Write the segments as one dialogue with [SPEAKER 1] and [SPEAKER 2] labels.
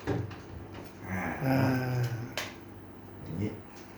[SPEAKER 1] อย่างนี้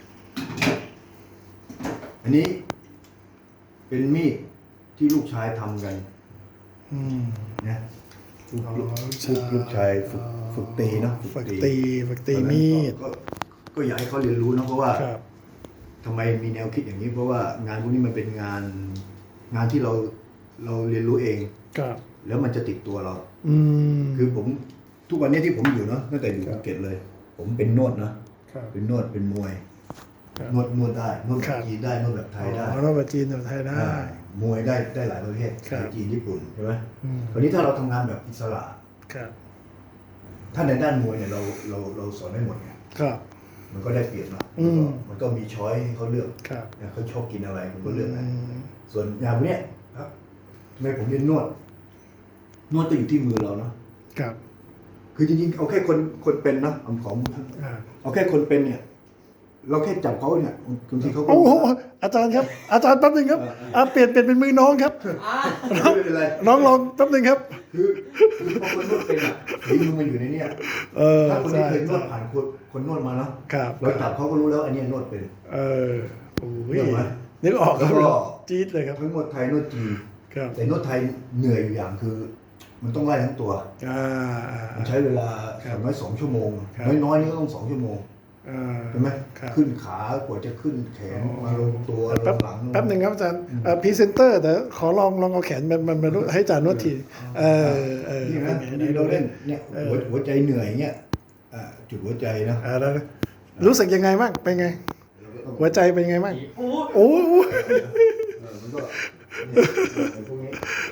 [SPEAKER 1] อันนี้เป็นมีดที่ลูกชายทำกันนะลูกชายฝึกตีเนาะ
[SPEAKER 2] ฝึกตีมีด
[SPEAKER 1] ก็อยากให้เขาเรียนรู้นะเพราะว่าทำไมมีแนวคิดอย่างนี้เพราะว่างานพวกนี้มันเป็นงานที่เราเรียนรู้เองแล้วมันจะติดตัวเราคือผมทุกวันนี้ที่ผมอยู่เนาะตั้งแต่อยู่ภูเก็ตเลย ผมเป็นนวดนะเป็นนวดเป็นมวยนวดได้นวดแบบจีนได้นวดแบบไทยได้
[SPEAKER 2] นวดแบบจีนแบบไทยได้
[SPEAKER 1] มวยได้หลายประเภทจีนญี่ปุ่นใช่ไหมคราวนี้ถ้าเราทำงานแบบอิสระถ้าในด้านมวยเนี่ยเราสอนได้หมดไงมันก็ได้เปรียบเนาะมันก็มีช้อยให้เขาเลือกเขาชอบกินอะไรมันก็เลือกนะส่วนอย่างเนี้ยครับทำไมผมเรียนนวดก็อยู่ที่มือเราเนาะคือจริงๆเอาแค่คนเป็นนะเอาแค่คนเป็นเนี่ยเราแค่จับเขาเนี่ยบางทีเขา
[SPEAKER 2] โอ้โหอาจารย์ครับอาจารย์แป๊บนึงครับเปลี่ยนเป็นมือน้องครับ
[SPEAKER 1] ไม่เป็นไร
[SPEAKER 2] น้องลองแป๊บนึงครับ
[SPEAKER 1] คือพอคนนวดเป็นอ่ะฝีมือมันอยู่ในนี้ถ้าคนที่เคยนวดผ่านคนนวดมาเนาะเราจับเขาก็รู้แล้วอันนี้นวดเป็น
[SPEAKER 2] โอ้ยนึกออกครับจี๊ดเลยครับ
[SPEAKER 1] ทั้งนวดไทยนวดจีนแต่นวดไทยเหนื่อยอยู่อย่างคือมันต้องไล่ทั้งตัวมันใช้เวลาอย่างน้อย2 ชั่วโมงน้อยๆนี่ก็ต้อง2 ชั่วโมงใช่ไหมขึ้นขากว่าจะขึ้นแขนมาลงตัวลงหลัง
[SPEAKER 2] แป๊บหนึ่งครับอาจารย์พรีเซนเตอร์แต่ขอลองเอาแขนมันมาให้อาจารย์นวดที
[SPEAKER 1] นี่นะนี่เราเล่นเนี่ยหัวใจเหนื่อยเงี้ยจุดหัวใจนะ
[SPEAKER 2] รู้สึกยังไงบ้างเป็นไงหัวใจเป็นไงบ้างโอ้
[SPEAKER 1] มันก็พวกนี้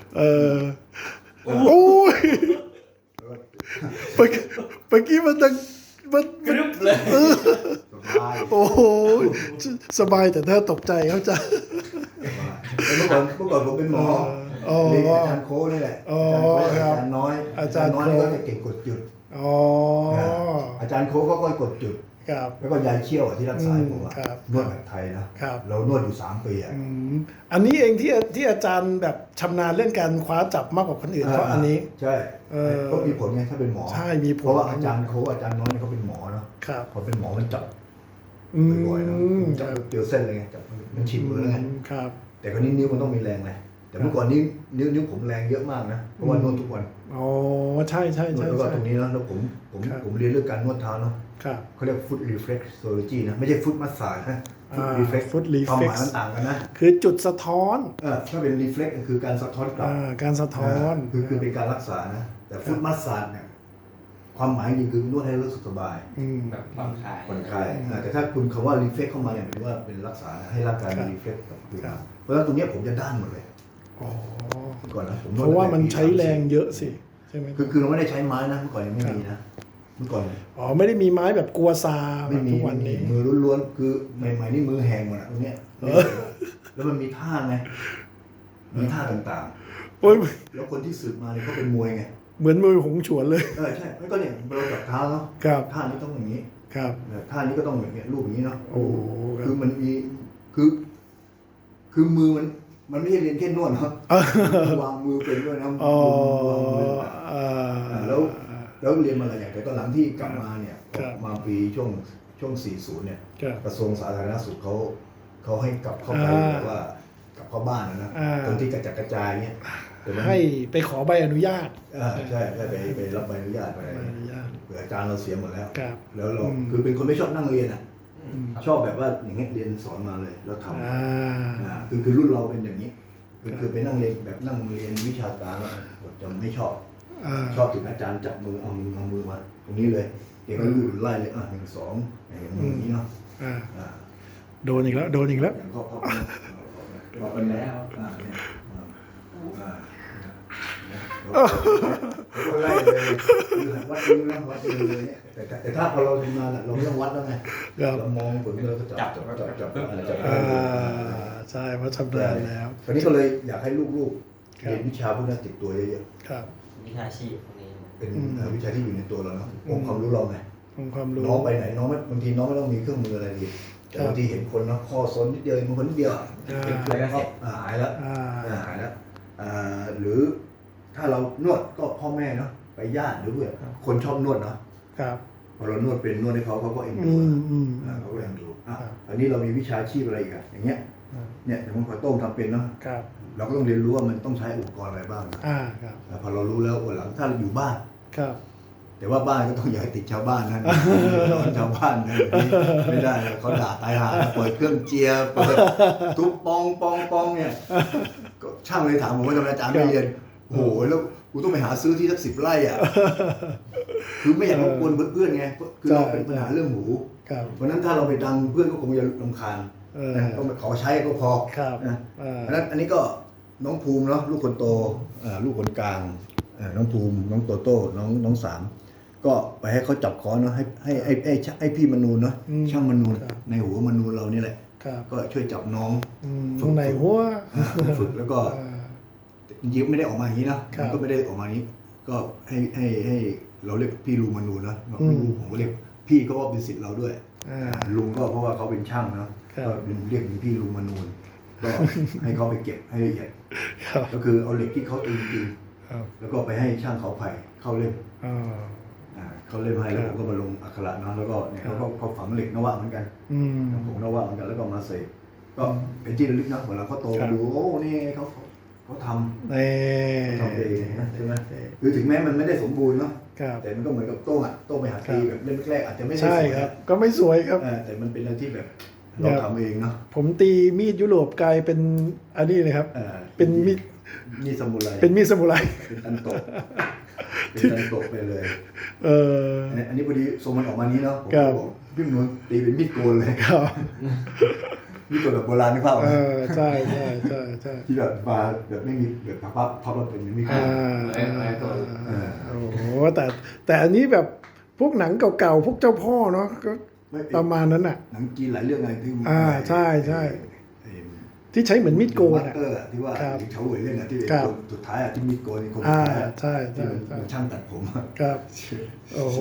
[SPEAKER 2] โอ้ยเมื่อกี้มันดัง
[SPEAKER 3] กรึบเลย
[SPEAKER 2] โอ้โหสบายแต่ถ้าตกใจเขาจะ
[SPEAKER 1] เมื่อก่อนผมเป็นหมอเรียนอาจารย์โค้นี่แหละอาจารย์น้อยก็จะเก่งกดจุดอาจารย์โค้ก็กดจุดแล้วก็ยายเชี่ยวที่รักษาผมนวดแบบไทยนะเรานวดอยู่3 ปี
[SPEAKER 2] อันนี้เองที่อาจารย์แบบชำนาญเรื่องการคว้าจับมากกว่าคนอื่นเพราะอันนี้
[SPEAKER 1] ใช่ก็มีผลไงถ้าเป็นหมอ
[SPEAKER 2] ใช่มีผล
[SPEAKER 1] เพราะว่าอาจารย์โค้อาจารย์น้อยเขาเป็นหมอเนาะพอเป็นหมอมันจับบ่อยๆนะจับเกี่ยวเส้นเลยไงจับมันชินมือแล้วไงแต่คนนี้นิ้วมันต้องมีแรงไงแต่เมื่อก่อนนิ้วผมแรงเยอะมากนะเพราะว่านวดทุกวัน
[SPEAKER 2] ใช่
[SPEAKER 1] แล้วก็ตรงนี้นะแล้วผมเรียนเรื่องการนวดเท้าเนาะเขาเรียก foot reflexology นะไม่ใช่ foot massage นะ
[SPEAKER 2] foot reflex
[SPEAKER 1] ความหมายมันต่างกันนะ
[SPEAKER 2] คือจุดสะท้อน
[SPEAKER 1] ถ้าเป็น reflex คือการสะท้อนกลับ
[SPEAKER 2] การสะท้อน
[SPEAKER 1] คือเป็นการรักษานะแต่ foot massage เนี่ยความหมายจริงคือนวดให้รู้สึกสบาย
[SPEAKER 3] แบบผ่อนคลาย
[SPEAKER 1] แต่ถ้าคุณคำว่า reflex เข้ามาเนี่ยหมายถึงว่าเป็นรักษาให้ร่างกายมัน reflex กับตัวเพราะฉะนั้นตรงนี้ผมจะด้านหมดเลยก่อนนะผม
[SPEAKER 2] เพราะว่ามันใช้แรงเยอะสิใช่ไหม
[SPEAKER 1] คือเราไม่ได้ใช้ไม้นะเมื่อก่อนยังไม่มีนะเมื่อก่อน
[SPEAKER 2] ไม่ได้มีไม้แบบกลัวซา
[SPEAKER 1] ไม่มี
[SPEAKER 2] ทุกวันนี้
[SPEAKER 1] มือล้วนๆคือใหม่ๆนี่มือแหงหมดตรงเนี้ยแล้วมันมีท่าไงมีท่าต่างๆแล้วคนที่สืบมาเนี่ยเขาเป็นมวยไง
[SPEAKER 2] เหมือนมือหงฉวนเลย
[SPEAKER 1] ใช่แล้วก็เนี่ยเราจับเท้าเนาะท่านี้ต้องอย่างนี้ท่านี้ก็ต้องอย่างเงี้ยรูปอย่างนี้เนาะคือมันมีคือมือมันไม่ใช่เรียนแค่นวดครับวางมือเป็นด้วยนะแล้วเรียนมาหลายอย่างแต่ตอนหลังที่กลับมาเนี่ยมาปีช่วง40เนี่ยกระทรวงสาธารณสุขเขาให้กลับเข้าไปแบบว่ากลับเข้าบ้านนะตรงที่กระจัดกระจายเนี่ย
[SPEAKER 2] ให้ไปขอใบอนุญาต
[SPEAKER 1] ใช่ไปรับใบอนุญาตไปเผื่ออาจารย์เราเสียหมดแล้วเราคือเป็นคนไม่ชอบนั่งเรียนชอบแบบว่าอย่างเงี้ยเรียนสอนมาเลยแล้วทำคือรุ่นเราเป็นอย่างนี้คือไปนั่งเรียนแบบนั่งเรียนวิชาการแล้วจะไม่ชอบถึงอาจารย์จับมือเอามือมาตรงนี้เลยเด็กก็รูดไล่เลย1 2อย่างนี้เนาะ
[SPEAKER 2] โดนอีกแล้ว
[SPEAKER 1] อย่างข้อเป็นแล้วไล่เลยวัดมือเลยแต่ถ้าพอเราทำงานเราไม่ต้องวัดแล้วไงเรามองผลเราก็จับ
[SPEAKER 2] ใช่เพราะชำนาญแล้ว
[SPEAKER 1] คราวนี้ก็เลยอยากให้ลูกๆเรียนวิชาพวกนั้นติดตัวเยอะ
[SPEAKER 3] ๆวิชาชีพพวกนี้
[SPEAKER 1] เป็นวิชาที่อยู่ในตัวเราเนาะองค์ความรู้เราไง
[SPEAKER 2] องค์ความรู้
[SPEAKER 1] น้องไปไหนน้องบางทีน้องไม่ต้องมีเครื่องมืออะไรดีแต่บางทีเห็นคนเนาะข้อซ้อนนิดเดียวบางคนนิดเดียวเป็นก็หายแล้วหรือถ้าเรานวดก็พ่อแม่เนาะไปญาติหรือเพื่อนคนชอบนวดเนาะ
[SPEAKER 2] ครับ
[SPEAKER 1] พอเรานวดเป็นนวดให้เขาก็เอ็นดูเขาก็เอ็นดูอันนี้เรามีวิชาชีพอะไรอีกอะอย่างเงี้ยเนี่ยอย่างมันขอโต้งทำเป็นเนาะ
[SPEAKER 2] ครับ
[SPEAKER 1] เราก็ต้องเรียนรู้ว่ามันต้องใช้อุปกรณ์อะไรบ้าง
[SPEAKER 2] ครับ
[SPEAKER 1] พอเรารู้แล้ววันหลังถ้าเราอยู่บ้าน
[SPEAKER 2] ครับ
[SPEAKER 1] แต่ว่าบ้านก็ต้องอย่าให้ติดชาวบ้านนะชาวบ้านนะไม่ได้เขาด่าตายหาเปิดเครื่องเจียเปิดทุบปองเนี่ยก็ช่างเลยถามผมว่าทำไมอาจารย์ไม่เรียนโอ้โหแล้วกูต้องไปหาซื้อที่สัก10 ไร่อ่ะคือไม่อยากรบกวนเพื่อนไงคือเราเป็นปัญหาเรื่องหูเพราะนั้นถ้าเราไปดังเพื่อนก็คงจะรำคาญต้องขอใช้ก็พอนะเพราะนั้นอันนี้ก็น้องภูมิเนาะลูกคนโตลูกคนกลางน้องภูมิน้องโตโต้น้องสามก็ไปให้เขาจับคอนเนาะให้พี่มนูนเนาะช่างมนูนในหัวมนูนเรานี่แหละก็ช่วยจับน้อง
[SPEAKER 2] ตรงไหนหัว
[SPEAKER 1] ฝึกแล้วก็จริงๆไม่ได้ออกมาอย่างนี้นะมันก็ไม่ได้ออกมาอย่างนี้ก็ให้เราเรียกพี่ลุงมนูนนะพี่ลุงผมก็เรียกพี่ก็ว่าเป็นศิษย์เราด้วยลุงก็เพราะว่าเขาเป็นช่างนะก็เรียกเป็นพี่ลุงมนูนก็ให้เขาไปเก็บให้ละเอียดก็คือเอาเหล็กที่เขาตีจริงแล้วก็ไปให้ช่างเขาไผ่เข้าเล่มเขาเล่มให้แล้วผมก็มาลงอักขระนะแล้วก็เนี่ยเขาฝังเหล็กนวะเหมือนกันผมนวะเหมือนกันแล้วก็มาเสกก็เป็นที่ระลึกนะเวลาเขาโตมาดูโอ้นี่เขาทำเองนะใช่ไหมคือถึงแม้มันไม่ได้สมบูรณ์เนาะแต่มันก็เหมือนกับโต้งไปหาตีแบบเล่มแรกอาจจะไม่ได้สวยครับ
[SPEAKER 2] ก็ไม่สวยครับ
[SPEAKER 1] แต่มันเป็นอะไรที่แบบเราทำเองเนาะ
[SPEAKER 2] ผมตีมีดยุโรปกลายเป็นอันนี้เลยครับเป็นมีด
[SPEAKER 1] สมุไร
[SPEAKER 2] เป็นมีดสมุไร
[SPEAKER 1] เป็นตันโตไปเลยอันนี้พอดีทรงมันออกมานี้เนาะผมบอกพี่มนตีเป็นมีดโกนเลยมีดโกนแบบโบราณนึกภาพ
[SPEAKER 2] ใช่
[SPEAKER 1] ที่แบบมาแบบไม่มีแบบพับแล้วเป็นมีดโกน
[SPEAKER 2] โอ้โหแต่อันนี้แบบพวกหนังเก่าๆพวกเจ้าพ่อเนาะก็ประมาณนั้นอ่ะ
[SPEAKER 1] หนังจีนหลายเรื่องไงที่
[SPEAKER 2] ใช่ที่ใช้เหมือนมีดโกน
[SPEAKER 1] ที่ว่าเขาเหวยเล่นที่สุดท้ายที่มีดโกนคนสุดท้าย
[SPEAKER 2] ใช่
[SPEAKER 1] ช่างตัดผม
[SPEAKER 2] ครับโอ้โห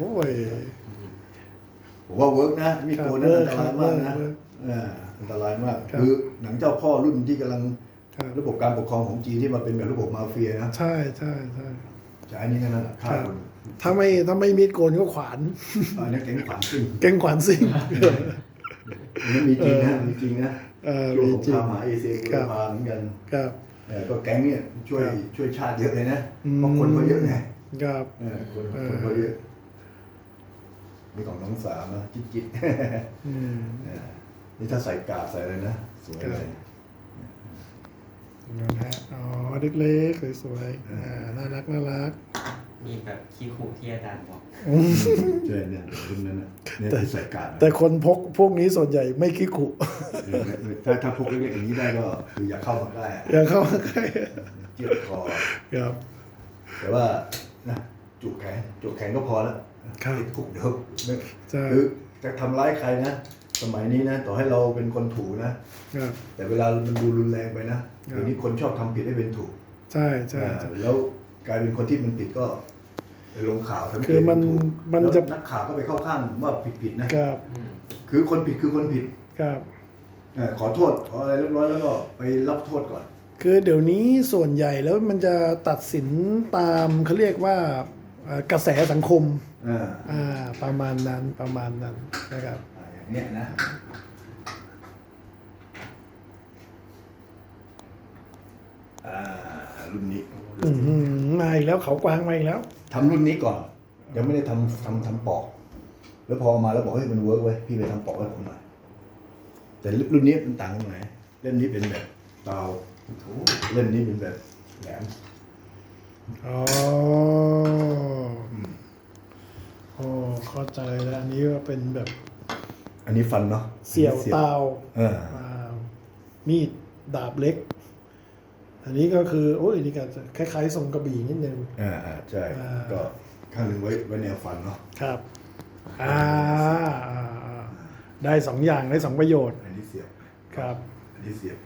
[SPEAKER 1] ผมว่าเวิร์กนะมีดโกนนั้นอันตรายมากนะอันตรายมากคือหนังเจ้าพ่อรุ่นที่กำลังระบบการปกครองของจีนที่มาเป็นแบบระบบมาเฟียนะ
[SPEAKER 2] ใช่
[SPEAKER 1] ใช้นี่นั่นแหละฆ่าคน
[SPEAKER 2] ถ้าไม่มีดโกนก็ขวาน
[SPEAKER 1] นี่แก๊งขวานซิ่งนี่มีจริงนะช่วงสงครามมหาเอเชียบูรพาเหมือนกันก็แก๊งเนี่ยช่วยชาติเยอะเลยนะเพราะคนเขาเยอะไงคนเขาเยอะมีของน้องสามนะจิ๊ดนี่ถ้าใส่กาใส่อะไรนะสวยเลย
[SPEAKER 2] นะฮะอ๋อเล็กๆสวยๆน่ารัก
[SPEAKER 3] มีแบบขี้ขู่ที่อาจารย์บอก
[SPEAKER 1] ใช่เนี่ยรุ่นนั้นนะเนี่ยใส่กา
[SPEAKER 2] แต่คนพวกนี้ส่วนใหญ่ไม่ขี้ขู่
[SPEAKER 1] ถ้าพวกเล็กๆอย่างนี้ได้ก็คืออยากเข้ามาใกล้เจี๊ยบคอ
[SPEAKER 2] ครับ
[SPEAKER 1] แต่ว่านะจุกแขนก็พอแล้วติดคุกเดี๋ยวคือจะทำร้ายใครนะสมัยนี้นะต่อให้เราเป็นคนถูนะแต่เวลามันดูรุนแรงไปนะเดี๋ยวนี้คนชอบทำผิดให้เป็นถูก
[SPEAKER 2] ใช่
[SPEAKER 1] แล้วกลายเป็นคนที่มันผิดก็ลงข่าวทำผิด
[SPEAKER 2] คือมันจะ
[SPEAKER 1] นักข่าวก็ไปเข้าข้างว่าผิดนะครับคือคนผิดคือคนผิด
[SPEAKER 2] ครับ
[SPEAKER 1] ขอโทษขออะไรเรียบร้อยแล้วก็ไปรับโทษก่อน
[SPEAKER 2] คือเดี๋ยวนี้ส่วนใหญ่แล้วมันจะตัดสินตามเขาเรียกว่ากระแสสังคมประมาณนั้นนะครับ
[SPEAKER 1] อย่างนี้นะรุ่นนี้
[SPEAKER 2] มาอีกแล้วเขากวางมาอีกแล้ว
[SPEAKER 1] ทำรุ่นนี้ก่อนยังไม่ได้ทำปอกแล้วพอมาแล้วบอกให้มันเวิร์กไว้พี่ไปทำปอกให้ผมหน่อยแต่รุ่นนี้มันต่างกันตรงไหนเล่มนี้เป็นแบบเตาเล่มนี้เป็นแบบแหลม
[SPEAKER 2] เข้าใจแล้วอันนี้ก็เป็นแบบ
[SPEAKER 1] อันนี้ฟันเนาะ
[SPEAKER 2] เสี่ยวเตามีดดาบเล็กอันนี้ก็คือโอ้ยนี่ก็คล้ายๆทรงกระบี่นิดนึง
[SPEAKER 1] ใช่ก็ข้างหนึ่งไว้แนวฟันเนาะ
[SPEAKER 2] ครับได้2 อย่างได้2 ประโยชน์
[SPEAKER 1] อันนี้เสียบ
[SPEAKER 2] ครับ
[SPEAKER 1] อันนี้เสียบ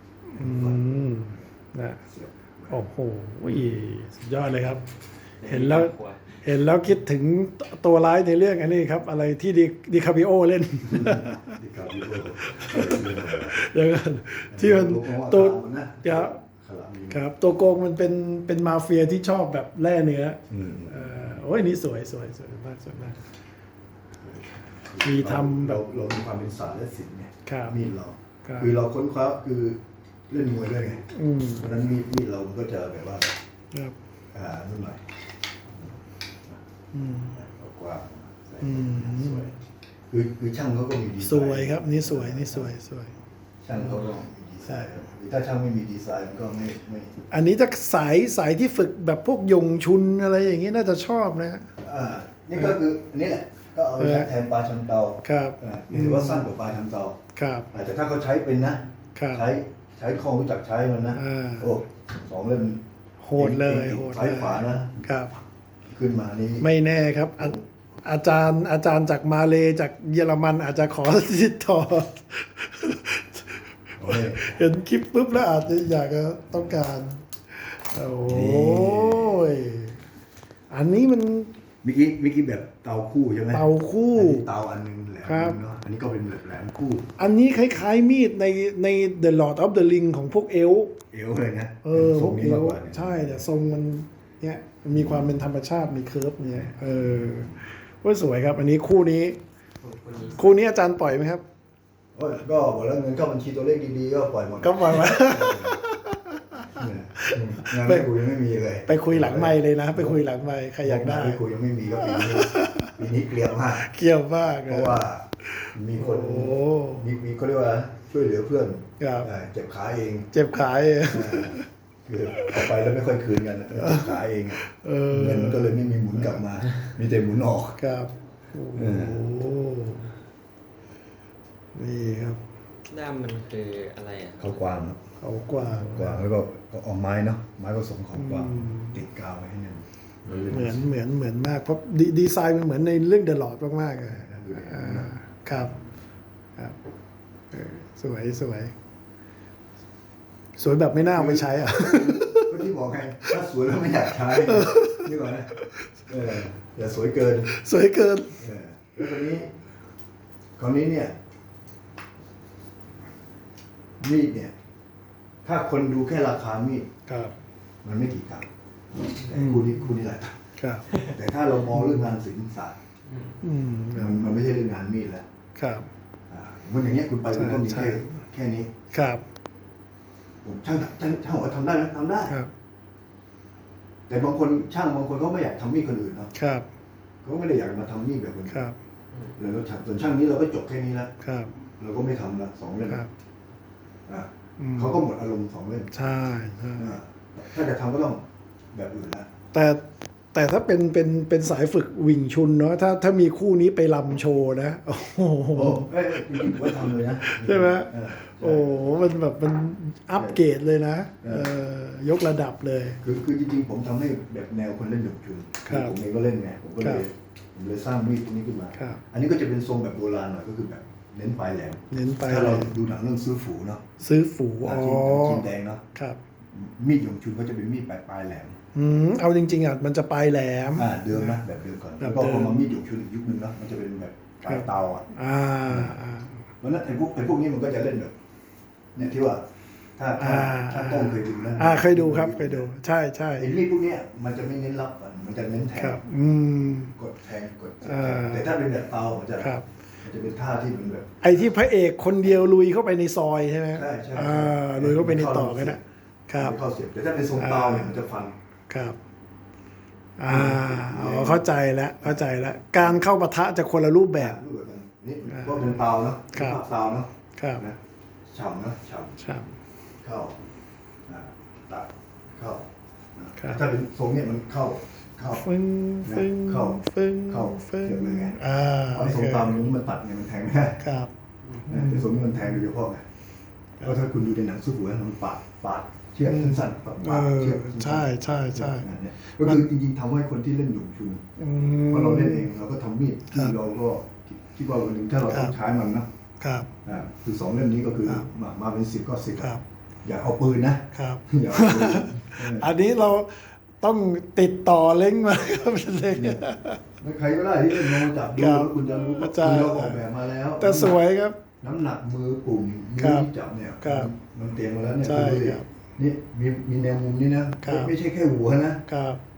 [SPEAKER 2] นะโอ้โหสุดยอดเลยครับเห็นแล้วคิดถึงตัวร้ายในเรื่องอันนี้ครับอะไรที่ดิคาปิโอเล่นอย่างนั้นที่มันตัว
[SPEAKER 1] ขลังดี
[SPEAKER 2] ครับ ตัวโกงมันเป็นมาเฟียที่ชอบแบบแร่เนื้อ
[SPEAKER 1] อืม
[SPEAKER 2] โอ้ยนี่สวยสวยสวยมากสวยมาก มีทำแบบ
[SPEAKER 1] เรามีความเป็นศาสตร์และศิลป์ไง
[SPEAKER 2] ครับ
[SPEAKER 1] มีดเรา
[SPEAKER 2] ครับ
[SPEAKER 1] คือเราค้นคว้าคือเล่นมวยด้วยไง
[SPEAKER 2] อืม
[SPEAKER 1] เพราะฉะนั้นมีดเรามันก็จะแบบว่า
[SPEAKER 2] ครับ
[SPEAKER 1] นู่นหน่อย
[SPEAKER 2] อืม
[SPEAKER 1] กว้างใส่
[SPEAKER 2] อืม
[SPEAKER 1] สวยคือช่างเขาก็มีดีไซน์
[SPEAKER 2] สวยครับ นี่สวยนี่สวยสวย
[SPEAKER 1] ช่างเขาก็มีดีไซน์หรือถ้าช่างไม่มีดีไซน์มันก็ไม่
[SPEAKER 2] อันนี้ถ้าสายที่ฝึกแบบพวกยงชุนอะไรอย่างนี้น่าจะชอบนะ
[SPEAKER 1] นี่ก็คืออันนี้แหละก็เอาไปใช้แทนปลาชันเตา
[SPEAKER 2] ครับ
[SPEAKER 1] ถือว่าสั้นกว่าปลาชันเตา
[SPEAKER 2] ครับ
[SPEAKER 1] แต่ถ้าเขาใช้เป็นนะครับ ใช้คล่องรู้จักใช้มันนะ
[SPEAKER 2] อ่า
[SPEAKER 1] โอ้สองเล่ม
[SPEAKER 2] โหดเลยโหด
[SPEAKER 1] ซ้า
[SPEAKER 2] เลย
[SPEAKER 1] ขวานะครับ ขึ้นมานี่
[SPEAKER 2] ไม่แน่ครับอาจารย์จากมาเลจากเยอรมันอาจจะขอติดต่อ
[SPEAKER 1] โอ้ย
[SPEAKER 2] เห็นคลิปปุ๊บแล้วอาจจะอยากจะต้องการ โอ้ยอันนี้มัน
[SPEAKER 1] เมื่อกี้แบบเตาคู่ใช่ไหม
[SPEAKER 2] เตาคู่
[SPEAKER 1] อันนี้เตาอันหนึงแหลม
[SPEAKER 2] ครับ
[SPEAKER 1] เนาะอันนี้ก็เป็นแบบแหลมคู่
[SPEAKER 2] อันนี้คล้ายๆมีดใน The Lord of the Ring ของพวกเอลฟ์
[SPEAKER 1] เอวเลยนะ
[SPEAKER 2] พ
[SPEAKER 1] ทร
[SPEAKER 2] ว
[SPEAKER 1] ง
[SPEAKER 2] ก
[SPEAKER 1] นี้
[SPEAKER 2] เอ
[SPEAKER 1] มาก
[SPEAKER 2] ล
[SPEAKER 1] ก
[SPEAKER 2] ฟ์
[SPEAKER 1] ว่าเนี่ย
[SPEAKER 2] ใช่แต่ทรงมันเนี่ยมีความเป็นธรรมชาติมีเคิร์ฟเนี่ยว่าสวยครับ อันนี้คู่นี้อาจารย์ปล่อยไหมครับ
[SPEAKER 1] โอ้ยก็บอกแล้วเงินเข้าบัญชีตัวเลขดีๆก็ปล่อยหมด
[SPEAKER 2] ก็ปล่อยมา
[SPEAKER 1] เนี่ยงานไม่คุยยังไม่มีเลย
[SPEAKER 2] ไปคุยหลังไมค์เลยนะ ไปคุยหลังไมค์ใครอยากได้
[SPEAKER 1] ไม่คุยยังไม่มีก็ปีนี้เกลียดมาก
[SPEAKER 2] เกี่ยวมาก
[SPEAKER 1] เพราะว่ามีคน
[SPEAKER 2] โอ้
[SPEAKER 1] มีเขาเรียกว่าช่วยเหลือเพื่อน
[SPEAKER 2] ครับ
[SPEAKER 1] เจ็บขาเอง
[SPEAKER 2] เจ็บขาย
[SPEAKER 1] คือเอาไปแล้วไม่ค่อยคืนกันเจ็บขาเองเงินมันก็เลยไม่มีหมุนกลับมา มีแต่หมุนออก
[SPEAKER 2] ครับโอ้โหนี่ครับ
[SPEAKER 3] ด้ามมันคืออะไรอ่ะ
[SPEAKER 1] เขากวางครับ
[SPEAKER 2] เขากว้าง
[SPEAKER 1] กวางแล้วก็เอาไม้เนาะไม้ผสมของกวาง
[SPEAKER 2] อืม
[SPEAKER 1] ติดกาวไว้ให้แน่น
[SPEAKER 2] เหมือนมากเพราะดีไซน์มันเหมือนในเรื่องเดอะลอดมากๆอะครับครับสวยสวยแบบไม่น่าเอาไปใช้อ่ะ
[SPEAKER 1] ก็ที่บอกไงถ้าสวยแล้วไม่อยากใช้นี่ก่อนนะอย่าสวยเกิน
[SPEAKER 2] สวยเกิน
[SPEAKER 1] แล้วคราวนี้เนี่ยมีดเนี่ย ถ้าคนดูแค่ราคามีด
[SPEAKER 2] ครับ
[SPEAKER 1] มันไม่กี่ตังค์แต่คู่นี้หลายตังค์
[SPEAKER 2] ครับ
[SPEAKER 1] แต่ถ้าเรามองเรื่องงานศิลปศาสตร์
[SPEAKER 2] อืม
[SPEAKER 1] มันไม่ใช่เรื่องงานมีดแล้ว
[SPEAKER 2] ครับ
[SPEAKER 1] มันอย่างเงี้ยคุณไปคุณก็มี
[SPEAKER 2] ใช่
[SPEAKER 1] แค่นี้
[SPEAKER 2] ครับ
[SPEAKER 1] ผมช่างบอกว่าทำได้ไหมทำได้
[SPEAKER 2] ครับ
[SPEAKER 1] แต่บางคนเขาไม่อยากทำมีดคนอื่นเนาะ
[SPEAKER 2] ครับ
[SPEAKER 1] เขาไม่ได้อยากมาทำมีดแบบคน
[SPEAKER 2] ค
[SPEAKER 1] อื่น
[SPEAKER 2] รับ
[SPEAKER 1] แล้วส่วนช่างนี้เราก็จบแค่นี้แล้ว
[SPEAKER 2] ครับ
[SPEAKER 1] เราก็ไม่ทำละสองเล่ม
[SPEAKER 2] ครับ
[SPEAKER 1] เขาก็หมดอารมณ์สองเล่ม
[SPEAKER 2] ใช่ใช่
[SPEAKER 1] ถ้าจะทำก็ต้องแบบอื่นละ
[SPEAKER 2] แต่ถ้าเป็นสายฝึกวิ่งชุนเนาะถ้ามีคู่นี้ไปลำโชว์นะ โอ้โห
[SPEAKER 1] จริงๆผมว่าทำเลยนะ
[SPEAKER 2] ใช่ไหม
[SPEAKER 1] โอ้
[SPEAKER 2] โอ้โหมันแบบมันอัปเกรดเลยนะ ยกระดับเลย
[SPEAKER 1] คือจริงๆผมทำให้แบบแนวคนเล่นหยกชุน
[SPEAKER 2] ครับ
[SPEAKER 1] ผมเองก็เล่นไงผมก็เลยสร้างมีดพวกนี้ขึ้นมา
[SPEAKER 2] ครับ
[SPEAKER 1] อันนี้ก็จะเป็นทรงแบบโบราณหน่อยก็คือแบบเน้นปลายแหลม
[SPEAKER 2] เน้นไป
[SPEAKER 1] ถ้าเราดูหนังเรื่องซื้อฝูเนาะ
[SPEAKER 2] ซื้อฝูอ๋อ
[SPEAKER 1] จีนแดงเนาะ
[SPEAKER 2] ครับ
[SPEAKER 1] มีดหยงชุนก็จะเป็นมีดปลายแหลม
[SPEAKER 2] เอาจริงๆอ่ะมันจะปลายแหลม
[SPEAKER 1] เดิมนะแบบเดิมก่อน
[SPEAKER 2] แบบ
[SPEAKER 1] แล้วก็
[SPEAKER 2] เดิม
[SPEAKER 1] พอมามีดหยงชุนอีกยุคนึงเนาะมันจะเป็นแบบปลายเตาอ่ะ
[SPEAKER 2] อ่า
[SPEAKER 1] เพราะฉะนั้นไอ้พวกนี้มันก็จะเล่นแบบเนี่ยที่ว่าถ้าต้องเคยดูนะ
[SPEAKER 2] เคยดูครับเคยดู ใช่ใช่
[SPEAKER 1] ไอ้มีดพวกเนี้ยมันจะไม่เน้นรับฟันมันจะเน้นแท
[SPEAKER 2] ครั
[SPEAKER 1] ง
[SPEAKER 2] บ
[SPEAKER 1] กดแทงกด
[SPEAKER 2] า
[SPEAKER 1] แต่ถ้าเป็นแบบเตามันจะ
[SPEAKER 2] ครับ
[SPEAKER 1] เป็นท่าที่มันแบบ
[SPEAKER 2] ไอ้ที่พระเอกคนเดียวลุยเข้าไปในซอยใช่ไหม
[SPEAKER 1] ใช่
[SPEAKER 2] ลุยเข้าไปในต่อกันนะครับ
[SPEAKER 1] เข้าเสียบแต่ถ้าเป็นทรงเตาเนี่ยมันจะฟัน
[SPEAKER 2] ครับเข้าใจแล้วการเข้าปะทะจะคนละรูปแบบ
[SPEAKER 1] รูปแบบนี้ก็เป็นเตาเนาะ
[SPEAKER 2] ครับ
[SPEAKER 1] ภาพเตาเนาะ
[SPEAKER 2] ครับ
[SPEAKER 1] นะฉ่ำเนาะฉ่ำ
[SPEAKER 2] ครับ
[SPEAKER 1] เข้าตัดเข้า
[SPEAKER 2] ครับ
[SPEAKER 1] ถ้าเป็นทรงเนี่ยมันเข้า
[SPEAKER 2] ฟึ้งฟึ้ง
[SPEAKER 1] เข้า
[SPEAKER 2] ฟึ้ง
[SPEAKER 1] เข้า
[SPEAKER 2] ฟึ้ง
[SPEAKER 1] เสียบเลยไง
[SPEAKER 2] โอ
[SPEAKER 1] ไอ้ท
[SPEAKER 2] เค
[SPEAKER 1] รงตามนี้มันตัดไงมันแทงไม่ได้
[SPEAKER 2] ครับ
[SPEAKER 1] แต่ทรงนี้มันแทงโดยเฉพาะไงเพราะถ้าคุณดูในหนังสู้หัวมันปาดเชือกสั้นๆปาดเชือกสั้นๆ
[SPEAKER 2] ใช่
[SPEAKER 1] เนี่ยก็คือจริงๆทำให้คนที่เล่นหยงชุนเพราะเราเล่นเองเราก็ทำมีดที่เราก็คิดว่าวันหนึ่งถ้าเราต้องใช้มันนะครับ คือสองเล่มนี้ก็คือมาเป็น10ก็10
[SPEAKER 2] ครับ
[SPEAKER 1] อย่าเอาปืนนะครับ อย่าเอาปืน
[SPEAKER 2] อันนี้เราต้องติดต่อเล้งมาครับเล้ง
[SPEAKER 1] ไม่ใครก็ได้ที่จะลองจับดู
[SPEAKER 2] ครับ
[SPEAKER 1] แล้วคุณจะรู้ว่า
[SPEAKER 2] ใช่
[SPEAKER 1] คือเราออกแบบมาแล้ว
[SPEAKER 2] แต่สวยครับ
[SPEAKER 1] น้ำหนักมือปุ่มมือ
[SPEAKER 2] ครับ
[SPEAKER 1] ที่จับเนี่ย
[SPEAKER 2] ครับ
[SPEAKER 1] มันเตรียมมาแล้วเนี่ย
[SPEAKER 2] ใช่
[SPEAKER 1] ดูดิ
[SPEAKER 2] ครับ
[SPEAKER 1] นี่มีแนวมุมนี่นะครับ ไม่ใช่แค่หัวนะครับ